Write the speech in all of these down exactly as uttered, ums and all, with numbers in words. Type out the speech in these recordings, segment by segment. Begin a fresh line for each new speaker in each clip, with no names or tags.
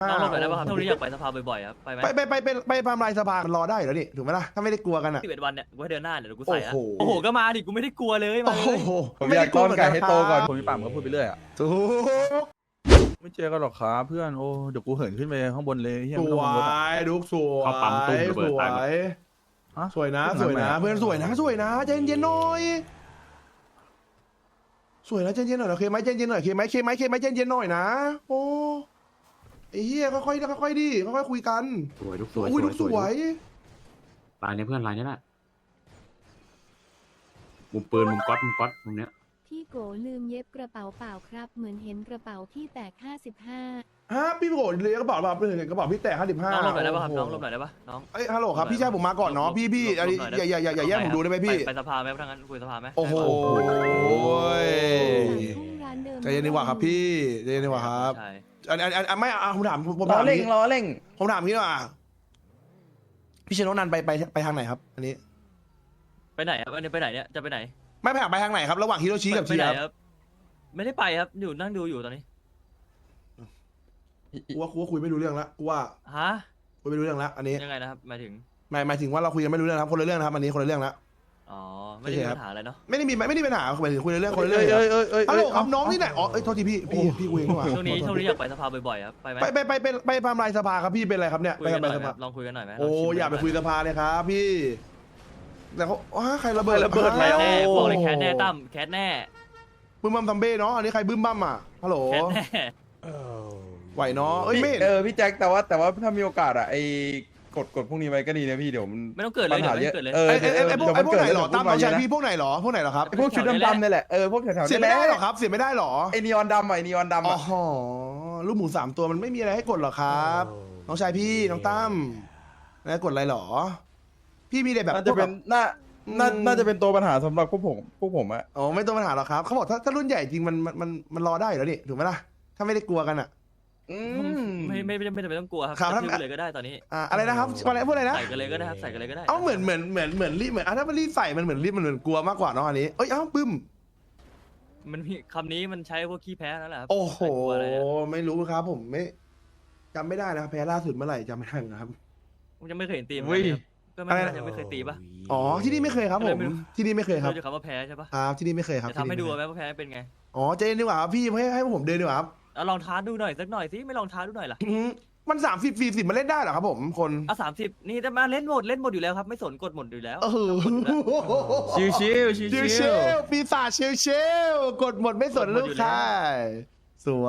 น้องลงหน่อยได้ป่ะครับช่วงนี้อยากไปสภาบ่อยๆครับไปไหม
ไปไปไปไปไปทำลายสภามันรอได้อยู่แล้วนี่ถูกไหมล่ะถ้าไม่ได้กลัวกันอ่ะ
สิบเอ็ดวันเนี่ยกูให้เดือนหน้าเดี๋ยวกูใส่ละ
โอ้
โอ้
โห
โหก็มาดิกูไม่ได้กลัวเลยมา
โอ้
เลย
โห
ผมอยากต้อนไก่ให้โตก่อน
ค
ผมมีปากมันก็พูดไปเรื่อยอ่ะ
ถูก
ไม่เจอกันหรอกครับเพื่อนโอ้เดี๋ยวกูเหินขึ้นไปข้างบนเลยเฮีย
ส
ไม่ต้อง
ว
กังวลอะ
ยลูกสวย
เขาปั๊มตุ้มระ
ส
เบิด
ว
ตายหมด
ย
ฮะ
สวยนะ
ทำไม
สวยนะ
อะ
เพื่อนสวยนะสวยนะใจเย็นๆหน่อยสวยนะใจเย็นๆหน่อยโอเคไหมใจเย็นๆหน่อยโอเคไหมโอเคไหมโอเคไหมใจเย็นๆหน่อยนะโอ้ไอ้เหี้ยค่อยๆค่อยๆดิค่อยๆคุยกัน
สวยลูกสวย
อุ้ย
ส
ลู
วย
ก
ส
ส
ว
วย ย
ลายนี้เพื่อนลายนี้แหละมุมปืนมุมก๊อตมุมก๊อตมุมเนี้ย
พี่โกลืมเย็บกระเป๋าเปล่าครับ เหมือนเห็นกระเป๋าพี่แตกห้าสิบห้า
ฮะพี่โกรธเลยกระเป๋าแบบกระเป๋าพี่แตกห้าสิบห้า
น้องลงหน่อยได้ป่ะครับน้องลงหน่อยได้ป่ะน้อง
เอ้ยฮัลโหลครับพี่ชายผมมาก่อนเนาะพี่พี่อันนี้อย่าอย่าอย่าอย่าแย่งผมดูได้ไหมพี่
ไปไปสภาไหมถ้างั้นคุยสภาไหม
โอ้โห
ทุ่งร้านเดิม
ใจเย็นดีกว่าครับพี่ใจเย็นดีกว่าครับ
ใช่
อันอันอันอันไม่อ่ะผมถามผม
ล้อ
ถาม
เร่ง
นี้
ล้อเร่ง
ผมถามพี่ว่าพี่เชนโนนันไปไปไปทางไหนครับ อันนี้
ไปไหนครับอันนี้ไปไหนเนี่ยจะไปไหน
ไม่ไปไปทางไหนครับ ระหว่างฮิโรชิกับ
ไป
ชี
ไหน
ครับ
ครับไม่ได้ไปครับอยู่นั่งดูอยู่ตอนนี้
กูว่ากูว่าคุยไม่รู้เรื่องละกูว่า
ฮะ
คุยไม่รู้เรื่องละอันนี้
ยังไงนะครับหมายถึง
หมายหมายถึงว่าเราคุยกันไม่รู้เรื่องนะครับคนละเรื่องนะครับอันนี้คนละเรื่องละ
อ๋อไม่ได้มีปัญหาอะไรเนาะ
ไม่ได้มีไม่ได้มีปัญหาหมายถึงคุยเรื่องคนละเรื่
เอ้
อง
ยเอ้ยเอ้ยเอ้ย
ฮัลโหลครับน้องนี่ไหนอ๋อเอ้ยโทษทีพี่พี่พี่คุยเองดีกว่า
ช่วงนี้ช่วงนี้อยากไปสภาบ่อยๆครับไปไหม
ไปไปไปไปไปทำลายสภาครับพี่เป็นอะไรครับเนี่ย
คุ
ไป
ยกัน
ทำ
หน่
ลา
อย ย
ส
ไหม
ภา
ลองคุยกันหน่อยไหม
โอ้อย่าไปคุยสภาเลยครับพี่แต่เขาว้าใครระเบิด
ระเบิด
แค
แล้ว
สแน่บอกเลยแคสแน่ตั้มแคสแน่
บึ้มบัมซัมเบ้เนาะอันนี้ใครบึ้มบัมอ่ะฮัลโหล
แคสแน่
ไหวเนาะเอ้ยไม่เห็น
เออพี่แจ็คแต่ว่าแต่ว่าถ้ามีโอกาสอ่ะไอ้กดกดพวกนี้ไว้ก็ดีนะพี่เดี๋ยวมัน
ไม่ต้องเกิดเลย
ปัญ
เดี๋
หา
ยวไม่
เยอะ
เกิดเลย
เออ
ไอ้ไอ้ไอ้พวกไอ้พวกไหนหรอตามน้องชาย
พี่
พี่พวกไหนหรอพวกไหนหรอครับ
พวกชุดดำๆนี่แหละเออพวกแถวๆ
เสีย
นี่
ไม่
แหละ
ได้หรอครับเสียไม่ได้หรอ
ไอ้นีออนดำอ่ะไอ้นีออนดำ
อ๋
อ่ะ
อลูกหมูสามตัวมันไม่มีอะไรให้กดหรอครับ น้องชายพี่น้องตั้มแล้วกดอะไรหรอ พี่มีแต่แบบ
น่าจะเป็นน่าน่าน่าจะเป็นตัวปัญหาสำหรับพวกผมพวกผมอ่ะ
อ๋อไม่ต้องปัญหาหรอกครับเขาบอกถ้าถ้ารุ่นใหญ่จริงมันมันมันมันรอได้อยู่แล้วนี่ถูกไหมล่ะถ้าไม่ได้กลัวกันอ่ะ
อืม
ไม่ไม่ไม่ไม่จำเป็นต้องกลัวครับ
ครับ
กระทืบเลยก็ได้ตอนนี้
อ่าอะไรนะครับอะไรพูดอะไรนะ
ใส่กันเลยก็ได้ครับใส่กันเลยก็ได้
เอ้าเหมือนเหมือนเหมือนเหมือนรีบเหมือนอ่ะถ้ามันรีบใส่มันเหมือนรีบมันเหมือนกลัวมากกว่าเนาะอันนี้เอ้ยเอ้าปึ้ม
มันมีคำนี้มันใช้พวกขี้แพ้นั่นแหละครับ
โอ้โห
ใส่กลัวอะไรเนี่ย
ไม่รู้ครับผมไม่จำไม่ได้นะครับแพ้ล่าสุดเมื่อไหร่จำไม่ได้ครับ
ผมยังไม่เคยเห็นตีม
อุ้ย
ก็ไม่
อะไรนะ
ยังไม่เคยตีปะ
อ๋อที่นี่ไม่เคยครับผมที่นี่ไม่เคยครับ
เราจะคำว่าแพ้ใช่ปะ
ครับที่นี่ไม่เคยครับ
จะทำให้ดู
ที่นี่
ไหมว่าแพ้เป็นไง
อ๋อใจเย็นดีกว่าครับพี่ให้ให้ผมเดินดีกว่าครับ
เอาลองท้าดูหน่อยสักหน่อยสิไม่ลองท้าดูหน่อยล่ะ
อื้อหือมันสามสิบสี่สิบมันเล่นได้เหรอครับผมคน
เอาสามสิบนี่จะมาเล่นหมดเล่นหมดอยู่แล้วครับไม่สนกดหมดอยู่แล้ว
เออ
ชิวชิวชิว
ชิว
ชิ
เช
ว
ลปีศาจชิวเชลกดหมดไม่สนลูกค้าสวย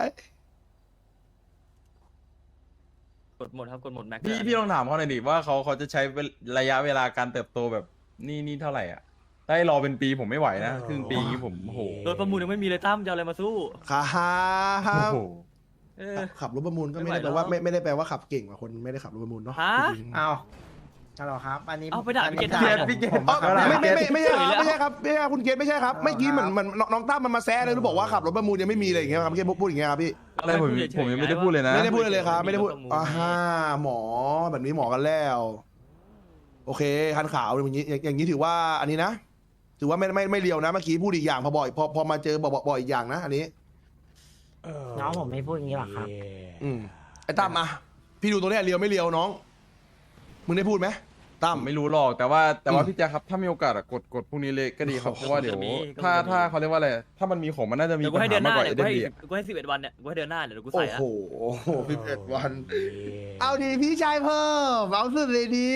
กดหมดครับกดหมดแม็กซ์
พี่พี่ลองถามเขาหน่อยดิว่าเขาเขาจะใช้ระยะเวลาการเติบโตแบบนี่นี่เท่าไหร่อ่ะได้รอเป็นปีผมไม่ไหวนะครึ่งปีนี้ผมโอ้โห
โดยประมูลยังไม่มีเลยตั้มจะเอาอะไรมาสู้
ครับ
โอ้โห
เออ
ขับรถประมูลก็ไม่
ไม่
ได้
ไหว
แปลว่า
แล้ว
ไม่ไม่ได้แปลว่าขับเก่งกว่าคนไม่ได้ขับรถประมูลเนาะ
ฮะ
จริงๆ
เอาฮัลโหลครับ อันนี้
เอาไปด่า
อัน
พี่
นี้
เกต
ด่า
ทำไม
พี่เกต
ผม
อ๋อ
ผม
ไม่ไม่ไม่ไม่ใช่ครับ
เฉยแล้ว
ไม่ใช่ครับไม่ใช่ครับคุณเกณฑ์ไม่ใช่ครับเมื่อกี้เหมือนเหมือนน้องตั้มมันมาแซะเลยแล้วบอกว่าขับรถประมูลยังไม่มีอะไรอย่างเงี้ยครับเมื่อกี้พูดอย่างเงี้ยครับพี่
อะไรผมผมยังไม่ได้พูดเลยนะ
ไม่ได้พูดเลยครับ ไม่ได้พูด
รถประมูล
อ่าฮะหมอแบบนี้หมอกันแล้ว โอเคคันขาวอย่างนี้อย่างอย่างนี้ถือว่าอันนี้นะ ถือว่าไม่ไม่ไม่เลียวนะเมื่อกี้พูดอีกอย่างพอบ่อยพอพอมาเจอบอกบอกบอกอีกอย่างนะ อันนี้
น้องผมไม่พูดอย่างนี้หรอกครับ
อืมไอ้ตั้มอ่ะพี่ดูตัวเนี้ยเลียวไม่เลียวน้อง มึงได้พูดไหมตั้ม
ผมไม่รู้หรอกแต่ว่าแต่ว่า
อืม
พี่แจ๊คครับถ้ามีโอกาสอะกดกดพวกนี้เลยก็ดีครับ
โอ้โห
เพราะว่าเดี๋ยว
ก็มี
ถ้า
ก็มี
ถ้าเขาเรียกว่าอะไรถ้ามันมีของมันน่าจะมี
เดี๋ยวกู
ปัญ
ให้เดือ
หาน
ห
มาก
น้าก
ว่า
เดี๋ยว
เอ
กู
เด
ให้
นดีอะ
กูให้สิบเอ็ดวันเนี่ยกูให้เดือนหน้าเดี๋ยวกู
โอ้
ใส่ละ
โหสิบเอ็ดวัน เอาดีพี่ชายเพิ่มเอาสุดเลยดี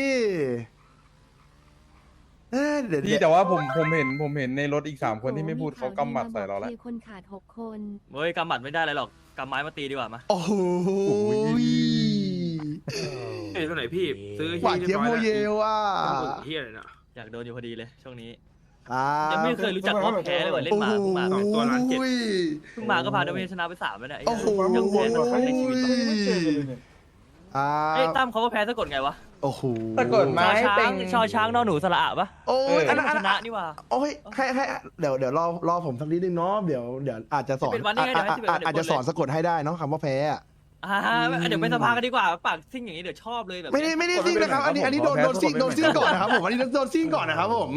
เอ้ยเดี๋ยว
พี่
เดี๋ยว
แต่ว่าผมผมเห็นผมเห็นในรถอีกสามคนที่ไม่พูดเขากำหมัดใส่เราแล้ว
มีคนขาดหกคน
เฮ้ยกำหมัดไม่ได้อะไรหรอกกำไม้มาตีดีกว่ามา
โอ้โห
เอ้ยตัวไหนพี่ ซื้อ
หวานเจี๊ยบโมเยลอ่ะ
เฮียอะไรเนี่ย
อยากโดนอยู่พอดีเลยช่วงนี้
ครับ
ยังไม่เคยรู้จักว่าแพ้เลยว่ะเล่นหมาเพิ่งมา
สองตัวล้านเจ็ด
เพิ่งมาก็พาดาเมจชนะไปสามแล้วเนี่ยไอ้
โอ้โห
ยังแพ้สักครั้งในชีวิตวะ
อ่า
เอ้ยตั้มเขาว่าแพ้สะกดไงวะ
โอ้โห
สะกดไม้
ชอช้า
เป็
ง
ง
ชอช้างนอหนูสระอะปะ
โอ้ยอันนั้นอัน
ช
นั้น
นะนี่ว่ะ
โอ้ยให้ให้เดี๋ยวเดี๋ยวรอรอผมสักนิดนึงเนาะเดี๋ยวเดี๋ยวอาจจะสอน
สิบเอ็ดวันนี่ไงเดี๋ยวให้สิบเอ็ดวันเดี๋ยว
อาจจะสอนสะกดให้ได้เนาะคำว่าแพ้อะ
อ่าเดี๋ยวไปสภากันดีกว่าปากซิ่งอย่างนี้เดี๋ยวชอบเลยแบบ
ไม่ได้ไม่ได้ซิ่งนะครับ อันนี้อันนี้โดนโดนซิ่งโดนซิ่งก่อนนะครับผมอันนี้โดนซิ่งก่อนนะครับผม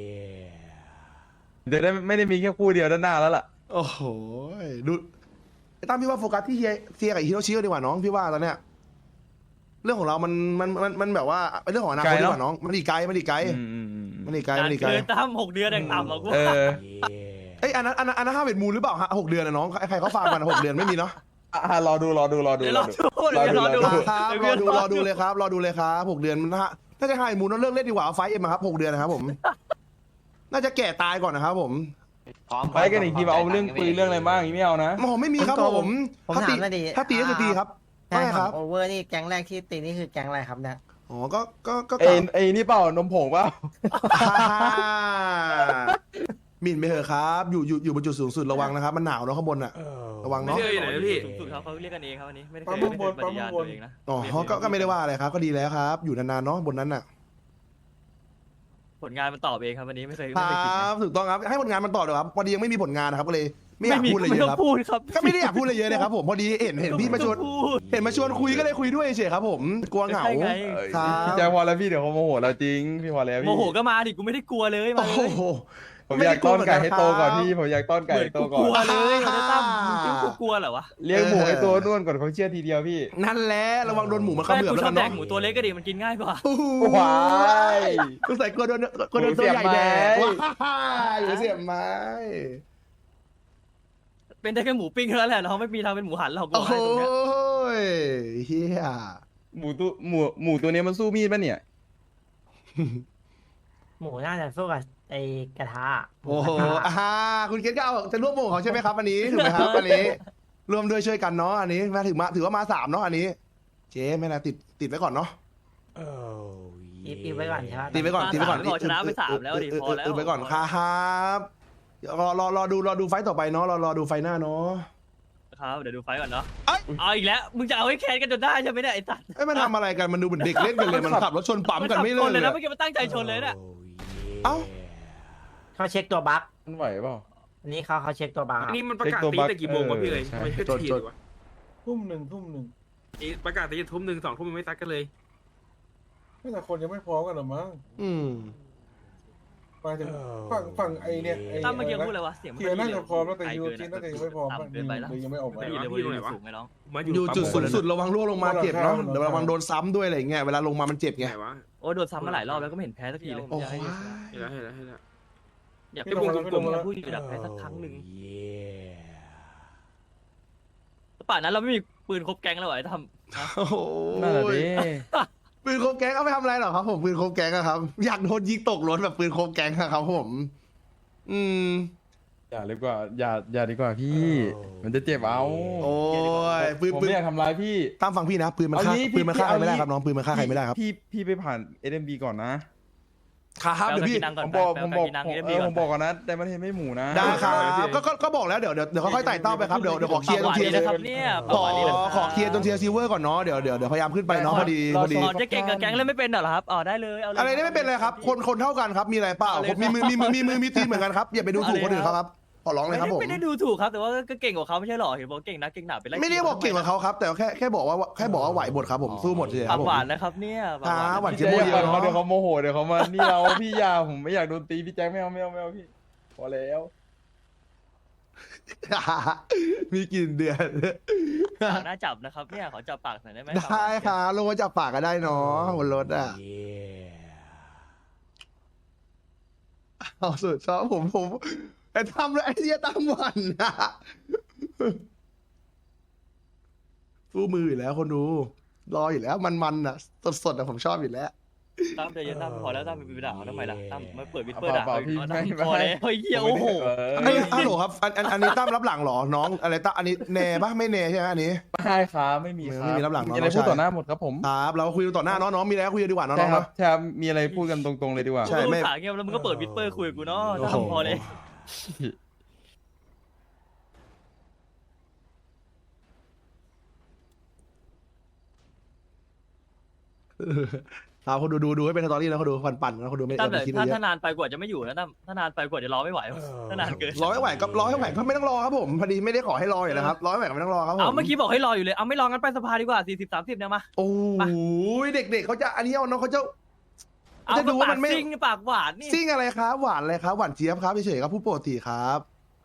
เดี๋ยวได้ไม่ได้มีแค่คู่เดียวด้านหน้าแล้วล่ะ
โอ้โหดูไอ้ตั้มพี่ว่าโฟกัสที่เฮียเซียกับฮิโรชิดีกว่าน้องพี่ว่าตอนเนี้ยเรื่องของเรามันมันมันมันแบบว่าเป็นเรื่องของอนาคตดีกว่าน้องมันอีกไกลมันอีกไกล
อืมอืมอืมอืม
มันอีกไกล
การ
มันอีกไกล
เกินตั้มหกเดือนอย่างต่ำหรอกกู
เออ
เอ้ยอันนั้นอันนั้นอันนั้นห้าเวทมูลหรือเปล่าฮะหกเดือนนะน้องใครเขาฟาร์มกันหกเดือนไม่มีเนาะ
อ่ะรอดูรอดูรอดู
เดี๋ยว
ร
ร
อ
อ
ดู
ดูเดี๋ยวรอดู
ครับรอดูรอดูเลยครับรอดูเลยครับหกเดือนมันฮะถ้าจะห้าเวทมูลต้องเลิกเล่นดีกว่าเอาไฟเอ็มมาครับหกเดือนนะครับผม น่าจะแก่ตายก่อนนะครับผม
ไปกันอีกทีมาเอาเรื่องปืนเรื่องอะไรบ้างอย่างนี้ไม่เอานะ
ผมไม่มีครับผม
ผม
ถ้า
ถา
ตี
มหน่อยดิ
ถ้าตีก็คือตีครับ
ใช่
ใช่
ค
ค
รั
รั
บบ โอเวอร์นี่แก๊งแรกที่ตีนี่คือแก๊งอะไรครับเนี่ย
อ๋อก็ก็ก็
เอ้ยไอ้นี่เปล่านมผงเปล่า
หมิ่นไปเถอะครับ อยู่อยู่อยู่บนจุดสูงสุดระวังนะครับ มันหนาวเนาะข้างบนอ่ะ ระวัง
ไม่
เนาะ
เชื่ออยู่ไหนนะพี่
สูงสุดเขาเขาเรียกกันเองครับอันนี้ไม่ได้เค
ปั๊
ย
ม
ไม่
บ
เคน ยป
ปั๊ม
ฏิญาณ
บ
ตัวน เองนะ
อ๋อก็ก็ไม่ได้ว่าอะไรครับ ก็ดีแล้วครับ อยู่นานๆเนาะบนนั้นอ่ะ
ผลงานมันตอบเองครับวันนี้ไม่เคย
ค
ไม่เคยคิด
รั
นะ
บถูกต้องครับให้ผลงานมันต่อเดี๋ยวครับพอดียังไม่มีผลงานนะครับก็เลยไม่อยาก
มี
พูดอะไร
ไม่
เย
ต้อ
อะครับ
งพูดครับ
ก็ไม่ได้อยากพูดอะไรเยอะนะครับผมพอดีเห็นเห็นพี่มาชวน
ไต้องพูด
เห็นมาชวนคุยก็เลยคุยด้วยเฉยๆครับผมกลัวเหงา
ใช่ไง
ครับ
พี่แจ็คพอแล้วพี่เดี๋ยวเขาโมโหเราจริงพี่พอแล้วพี่
โมโหก็มาดิกูไม่ได้กลัวเลยมา
โอ้
เลย
โห
ผมอยากต้อนไก่ให้โตก่อนพี่ผมอยากต้อน
เห
ไก่
มือน
ให้โต
กู
ก่อก
ลัวน เลยมันจะตั้มมึงคิดว่ากูกลัวเหรอวะ
เลี้ยงหมูให้โตนุ่นก่อนเขาเชื่อทีเดียวพี่
นั่นแหละระวังโดนหมูมัน
ไม่
เขมือบ
กู
แล้ว
ชอ
กับ น
แด
เนาะ
กหมูตัวเล็กก็ดิมันกินง่ายกว่า
ว้าย
กูใส่กลัวโดนกลัวโดนตัวใหญ่แดกว้ายอย่าเสียบไม้
เป็นได้แค่หมูปิ้งเท่านั้นแหละเราไม่มีทางเป็นหมูหันหรอกกู
โอ้
บอกให้ตรงเนี้ย
ยเฮีย
หมูตัวหมูหมูตัวนี้มันสู้มีดปะเนี่ย
หมูน่าจะสู้กับไอ้กระทะ
โอ้โห
มูกระทะ
อ่าคุณเกศก็เอาจะร่วมวงของเขาใช่ไหมครับอันนี้ถูกไหมครับอันนี้รวมด้วยช่วยกันเนาะอันนี้มาถึงมาถือว่ามาสามเนาะอันนี้ เจ๊ไม่นะติดติดไว้ก่อนเนาะ
อีฟอีฟไว้ก่อนใช่ไหม
ติดไว้ก่อนติดไว้ก่อน
พอชนะไปสามแล้วดิพอแล้ว
ติดไว้ก่อนครับเดี๋ยวรอรอรอดูรอดูไฟต์ต่อไปเนาะรอรอดูไฟต์หน้าเนาะ
ครับเดี๋ยวดูไฟก่อนเนาะ
เอ้ย
เอาอีกแล้วมึงจะเอาให้แคนกันจนได้ใช่ไหมเนี่ยไอ้สัตว์
เอ้ยมันทำอะไรกันมันดูเหมือนเด็กเล่นกันเลยมันขับรถชนปั๊มกันไม่เลิ
ช
ก
น
เล
เลย
ย
นะ
อะ
เมื่อกี้มันตั้งใจชนเลยเนี่ย
เอ้า
เขาเช็คตัวบั๊ก
มันไหวเปล่า
อันนี้เขาเขาเช็คตัวบั๊ก
อั
อะ
นนี้มันประกาศ
เช็คตัว
ตี
บัค
แต่กี่โมงวะพี่เลย
เออใช่
ไม่ใช่ทีวะ
ทุ่มหนึ่งทุ่มหนึ่ง
นี่ประกาศตีทุ่มหนึ่งสองทุ่มไม่ซักกันเลย
แต่คนยังไม่พร้อมกันหรอมั้ง
อืม
ไปถึงฝั่งฝั่งไอเนี่ยไอ
ตั้มเมื่อกี้
อะไร
พูด
นะ
อะไรวะเสียงมัน
เทียร์น่า
ดี
จะพร้อมแล้วแต่
ไกล
ยู
เกิน
จิน
อะ
น่าจะยังไม่พร้อม
ต่ำเกินไปแล้ว
เลยยังไม่ออกมา
ไม่ได้เลยเว้ยอยู่สูงไหมน้อง
มา
อยู่จุด
ปั๊ม
สุดสุดระวังร่วงลงมาเจ็บเนาะเดี๋ยวระวังโดนซ้ำด้วยอะไรอย่างเงี้ยเวลาลงมามันเจ็บไง
ไหนวะ
โอ้โดนซ้ำมาหลายรอบแล้วก็ไม่เห็นแพ้สักทีเลย
โอ้
อยาก
ย
ให้
เห็นแล้วเห็นแล้วเห็นแล้ว
อยากให้วงกลมๆอยากพูดอยู่อยากแพ้สักครั้งหนึ่งป่านนั้นเราไม่มีปืนครบแก๊งแล้วเหรอไอ้ทำ
โอ้โห
นั่นแหละดิ
ปืนโคบแก๊งเอาไปทำอะไรหรอครับผมปืนโคบแก๊งอะครับอยากโดนยิงตกรถแบบปืนโคบแก๊งอะครับผม อืม
อย่าดีกว่าอย่าอย่าดีกว่าพี่ มันจะเจ็บเอา
โอ้ยปืน
ผม
ปืน
ไม่อยากทำร้ายพี่
ตามฟังพี่นะปืนมันฆ่า
เอางี้
ปืนมันฆ่าใคร
พี่
ไม่ได้
เอางี้
ครับน้องปืนมันฆ่าใครไม่ได้ครับ
พี่พี่ไปผ่าน เอ็ม บี ก่อนนะ
ครับเดี๋ยวพี่
นั่ง
ผ
ก่อน
ม
ไป
บอก
ไป
ผม
ไป
บอก
กินนั่ง
ผม
เอ็ม
เอ
บี
อ
ก่
ผ
อน
มบอกก่อนนะแต่มันเห็นไม่หมูนะ
ได้ครับก็ก็ก็บอกแล้วเดี๋ยวเดี๋ยวเดี๋ยวค่อยๆไต่เต้าไปครับเดี๋ยวเดี๋ยวขอเคลียร์
ปากห
จ
วาน
นเทียร์
ดีนะครับเนี่ยปาก
ขอ
หวานดีนะ
ขอเคลียร์จนเทียร์ซิลเวอร์ก่อนเนาะเดี๋ยวเดี๋ยวเดี๋ยวพยายามขึ้นไปเนาะพอดีพอดี
อ๋อจะเก่งกับแก๊งเล่นไม่เป็นเหรอครับอ๋อได้เลยเอาเลย
อะไรนี่ไม่เป็นไรครับ คนคนเท่ากันครับมีอะไรเปล่าผมมีมือมีมือมีมือมีตีนเหมือนกันครับอย่าไปดูถูกคนอื่นเขาครับขอร้องเลยครับผม
ไม่ได้ดูถูกครับแต่ว่าก็เก่งกว่าเขาไม่ใช่หรอเห็นบอกเก่งนะเก่งหนาไปไล่
ไม่ได้บอกเก่งกว่าเขาครับ แต่แค่แค่บอกว่าแค่บอกว่าไหวหมดครับผมสู้หมดเลยค
ปา
รับ
ก
ผม
หวานนะครับเนี่ยปาก
ครับหวาน
พี่
เจี๊ยบ
แจ็ค
โม
อย่า
เดียว
ปั่นเขา
เนาะ
เดี๋ยวเขาโมโหเดี๋ยวเขามานี่เราพี่ยาผมไม่อยากโดนตีพี่แจ็คไม่เอาไม่เอาไม่เอาพี่พอแล้ว
มีกลิ่นเดือด
ปากหน้าจับนะครับเนี่ยขอจับปากหน่อยได้ไหม
ได้ครับลงมาจับปากก็ได้เนาะบนรถอ่ะเอาสุดชอบผมผมไอ้ทำเลยไอ้เหี้ยตามวันนะสู้มืออยู่แล้วคนดู รออยู่แล้วมันๆอ่ะสดๆอ่ะผมชอบอยู่แล้ว
ตั้มใจเย็นตั้มพอแล้วตั้มไปด่าเขาทำไมล่ะตั้มไม่เปิดวิดเปอร์
เป
ด่า
ล่า
เขา
พี่
อีก
ไม่
พอแล้วเฮ้ยเหี้ยโอ้โห
อันนี้ฮัลโหลครับอันอันอันนี้ตั้มรับหลังเหรอน้องอะไรตั้มอันนี้แน่ปะไม่แน่ใช่ไหมอันนี้
ไม่ครับไม่มีครับ
ไม่มีรับหลัง
มี
เนอะ
อะไร
น้อง
พูด
ชาย
ต่อหน้าหมดครับผม
ครับเราคุยกันต่อหน้าน้องน้องมีอะไรก็คุยกันดีกว่าน้อง
ใช่
น้อง
ครับ
เนาะ
ใช่ครับมีอะไรพูดกันตรงๆเลยดีกว่า
ใช่
กู
ไม่
อุตส่าห์เงียบแล้วมึงก็เปิดวิดเปอร์คุยกับกูเนาะ
โอ้โห
ตั้มพอเลย
เอาคนดูดูดูให้เป็นสตอรี่นะเขาดูปั่นปั่นนะเขาดูไม่
ตั้ม
ไม่
แต่
คิด
ถ้า
เย
ถ้า
อะ
นานไปกว่าจะไม่อยู่นะตั้มถ้านานไปกว่าจะรอไม่ไหวถ้านานเกิน
รอให้ไหวก็รอให้ไหวก็ไม่ต้องรอครับผมพอดีไม่ได้ขอให้รออยู่แล้วครับรอให้ไหวก็ไม่ต้องรอครับผม
เอาเมื่อกี้บอกให้รออยู่เลยเอาไม่รองั้นไปสภาดีกว่าสี่สิบสามสิบเนี่ยมา
โอ้ยเด็กๆเขาจะอันนี้เอาน้องเขาจะ
เอา
จะดูว่า
ปา
มั
ก
นไม่
ซิ่งปากหวานนี่
ซิ่งอะไรครับหวานอะไรครับหวานเจี๊ยบครับเฉยๆครับผู้ปกติครับ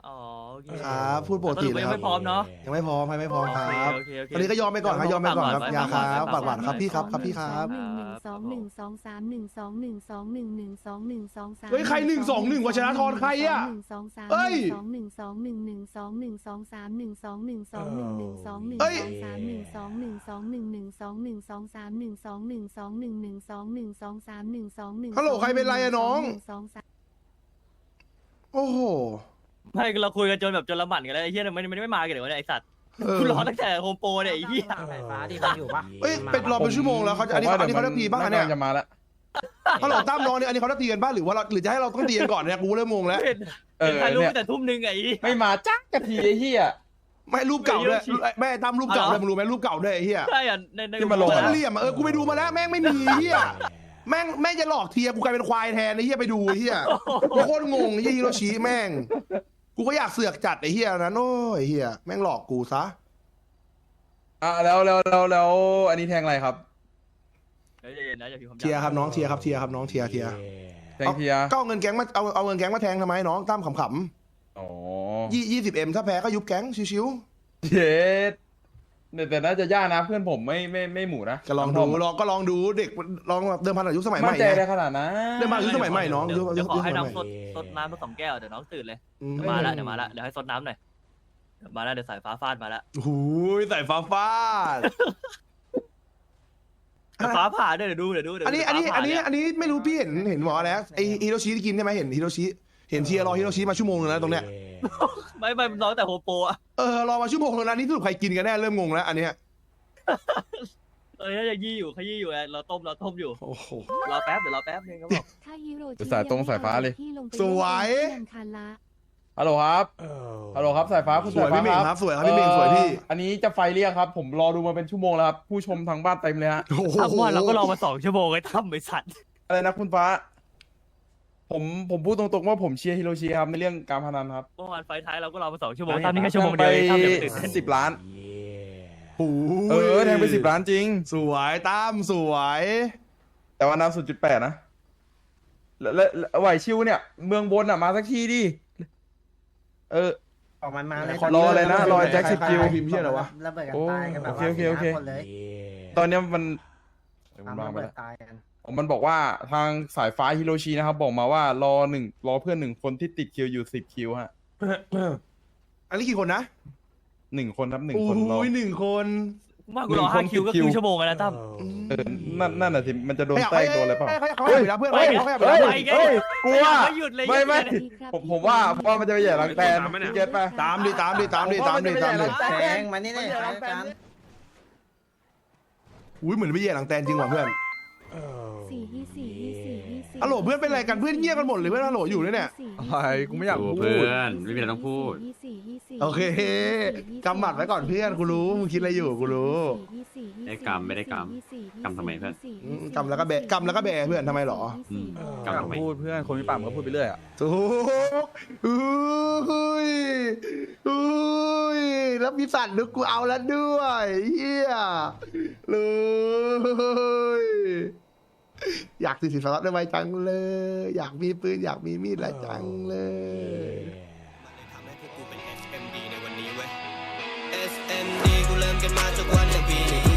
อ๋อโอเค
ครับพูดปกติ
สรุ
เลย
ยัง
ครับ
ไม่พร้อมเนาะ
ยังไม่พร้อมให้ไม่พร้อมครับ
โอเคโอเค
ตอนนี้ก็ยอมไปก่อนครับยอมไปก่อนครับอยาครับปากหวานครับพี่ครับครับพี่ครับ
หนึ่งหนึ่งสองหนึ่งสองสามหนึ่งสองหนึ่งสองหนึ่งหนึ่งสองหนึ่งสองสาม
เฮ้ยใครหนึ่งสองหนึ่งวะชนะทรใครอะ
หนึ่งสองสาม
เอ้ย
สองหนึ่งสองหนึ่งหนึ่งสองหนึ่งสองสามหนึ่งสองหนึ่งสองหนึ่งหนึ่งสองหนึ่ง
เอ้ย
สองสามหนึ่งสองหนึ่งสองหนึ่งหนึ่งสองหนึ่งสองสามหนึ่งสองหนึ่งสองหนึ่งหนึ่งสองหนึ่งสองสามหนึ่งสองหนึ่ง
ฮัลโหลใครเป็นไรอะน้อง
สองสาม
โอ้โห
ไม่เราคุยกันจนแบบจนละหมันกันแล้วไอ้เหี้ยมันมันไม่มากันเดี๋ยวเนี่ยไอ้สัตว์
เออ
คุณรอตั้งแต่โฮมโปรเนี่ยไอ้เหี้ย
ไฟฟ้าที่มันอยู่ปะ
เอ้ยเป็นรอเป็นชั่วโมงแล้วเขาจะอันนี้
ผมว่
อันนี้เขา
ดี๋
จะ
ยว
ตีบ้างอันเนี่ย
จะมาแล้ว
ฮัลโหลตั้มน้องเนี่ยอันนี้เขาจะตีกันบ้างหรือว่าเราหรือจะให้เราต้องตีกันก่อนเนี่ยกูเริ่มงงแล้ว
เห็น
เออ
ถ่ายรูป
เนี่ย
ตั้งแต่ทุ่มหนึงไอ้เหี้ย
ไม่มาจักกะทีไอ้เหี้ย
ไม่รูปเก่าด้วย
เดี๋ยว
แม่ตั้มรูปเก่า
เอาเหร
ด้
อ
วยมึงรู้ไหมรูปเก่าด้วยไอ้เหี้ย
ใช่อ่ะในใน
ที่มาลง
โค
อะ
ตรเหลี่ยมอะเออกูไปดูมาแล้วแม่งไม่มีเหี้ยแม่งแม่งจะหลอกเทียกูกลายเป็นควายแทนไอ้เหี้ยไปดูไอ้เหี้ยกูโคตรงงไอ้เหี้ยฮิโรชิแม่งกูก็อยากเสือกจัดไอ้เหี้ยนั้นโอ้ยไอ้เหี้ยแม่งหลอกกูซะ
อ่ะแล้วแล้วแล้วแล้วอันนี้แทงอะไรครับ
เดี๋ยวเย็นๆนะอย่าพิมพ์คำหยาบ
เทียร์ครับน้องเทียร์ครับเทียร์ครับน้องเทียร์เทียร์
แทงเทียร์
ก็เอาเงินแก๊งมาเอาเอาเงินแก๊งมาแทงทำไมน้องตั้มขำ
อ๋อ
ๆยี่ยี่สิบเอ็มถ้าแพ้ก็ยุบแก๊งชิว
เย็ดแต่แต่น่าจะยากนะเพื่อนผมไม่ไม่ไม่หมูนะ
ๆก็ลองดูลองก็ลองดูเด็กลองเดิมพันอายุสมัยให
มั่
ม่
นใจ
ไง
ได้ขนาดนั้น
เดิมพันอายุสมัยใหม่น้อง
เดี๋ยว
ยุค
เดี๋ยวขอให้
ยุค
น้อง
ส
ส
มั
ด
ยใหม่
สดน้ำมาสองแก้วเดี๋ยวน้องตื่นเลย
อืม
เดี๋ยวมาละเดี๋ยวมาละเดี๋ยวให้สดน้ำหน่อยเดี๋ยวมาละเดี๋ยวสายฟ้าฟาดมาละ
โอ้โหใส่ฟ้าฟาด
เดี๋ยวฟ้าผ่าด้วยเดี๋ยวดูเดี๋ยวดูเดี๋ยว
อันนี้
ดู
อันนี้
ฟ้า
อั
ผ่าน
นี้
เย
อันนี้ไม่รู้พี่เห็นเห็นหมอแล้วไอฮิโรชิที่กินใช่ไหมเห็นฮิโรชิเห็นเทียร์รอฮิโรชิมาชั่วโมงนึงแล้วตรงเนี้ย
ไม่ไม่ร้องแต่โฮมโปรอะ
เออรอมาชั่วโมงนึงแล้วนี่สรุปใครกินกันแน่เริ่มงงแล้วอันเนี้ย
เออยังยี่อยู่ขยี้อยู่ไงเราต้มเราต้มอยู่
โอ้โห
รอแป๊บเดี๋ยวรอแป๊บนึงครับผม
ถ้าฮิโรชิ
สายตรงสายฟ้าเลย
ที่ลงไป
สวย
เล่นคันละ
ฮัลโหลครับฮัลโหลครับสายฟ้าคุณ
สวย
สายฟ้า
พี่เมง
ค
ค
รั
รั
บบ
สวยครับพี่เมงสวยพี่
เอ่ออันนี้จะไฟเรียกครับ ผมรอดูมาเป็นชั่วโมงแล้วครับผู้ชมทางบ้านเต็มเลยฮะ
โอ้โห
ทั้งวันเราก็รอมาสองชั่วโมงไอ้ทำไอ้สัตว์
อะไรนะคุณฟ้า ผมผมพูดตรงๆว่าผมเชียร์ฮิโรชิครับในเรื่องการพนันครับ
เมื่อวานไฟท้ายเราก็รอมาสองชั่วโมงทำนี่แค่ชั่วโมงเดียวเองทำเดี๋ยวตื่นเต้น
สิบล้าน
โอ้โห
เออแทงไปสิบล้านจริง
สวยตั้มสวย
แต่ว่าน้ำศูนย์จุดแปดนะแล้วแล้วแล้วไหวชิวเนี่ย เมืองบนอ่ะมาสักทีดิ เออ
ออกมันมาเลย
รออะไรนะรอแจ็คสิบคิว
พิมพ์เชี่ยอะไรวะ
ระเบิดกันตายกันแบบ
โอเคโอเคโอเค
ว่าสี่ห้าคนเลย
ตอนเนี้ยมันเดี๋ยวผม
ทำ
วาง
ระ
ไป
เบิด
แล้ว
ตายกัน
มันบอกว่าทางสายฟ้าฮิโรชินะครับ บอกมาว่ารอหนึ่งรอเพื่อนหนึ่งคนที่ติดคิวอยู่สิบคิวฮะ
อันนี้กี่คนนะ
หนึ่งคนครับหนึ่ง
โอ้
คนรอ
ยหนึ่งคน
มากกูรอห้าคิวก็ครึ่งชั่วโมงแล้วนะตั้ม
เออนั่นนั่นน่ะสิมันจะโดนแต้โดนอะไรเปล่า
เขาเขาเขาเขาเพื่อน
เฮ้ย
เขาเขา
เฮ้ย
เขา
ไปไง
เฮ้ยกลัว
ไม่หยุดเลย
ไม่ไม่
หยุดเลย
ผมผมว่าเพราะว่ามันจะไปแย่หลังแตนพี่เก็ตป่ะ
ตามดิตามดิตามดิตามดิตามดิ
แทงมานี่เลยกัน
อุ้ยเหมือนไม่แย่หลังแตนจริงว่ะเพื่อน
สี่ยี่สี่ยี่สี่ยี่สี่
ฮัลโหลเพื่อนเป็นไรกันเพื่อนเงียบกันหมดเลยเพื่อนฮัลโหลอยู่ด้วยเนี่ย
อะไรกูไม่อยากพูด
เพื่อนไม่มีอะไรต้องพูด
ยี่สี่ยี่สี่
โอเคกำหมัดไว้ก่อนเพื่อนกูรู้มึงคิดอะไรอยู่กูรู้
ได้กำไม่ได้กำกำทำไมเพื่อน
อืมกำแล้วก็แบะกำแล้วก็แบะเพื่อนทำไมหรอ
อืม
กำลังพูดเพื่อนคนมีปากมันก็พูดไปเรื่อยอ่ะ
ถูกอุ้ยอุ้ยแล้วมีสัตว์นึกกูเอาแล้วด้วยเฮียเลยอยากติดสินสอดได้ไวจังเลย อยากมีปืนอยากมีมีดละจังเลย
ทำให้พวกกูเป็น เอส เอ็ม ดี ในวันนี้เว้ย เอส เอ็ม ดี กูเริ่มกันมาจากวันหนึ่งปีนี้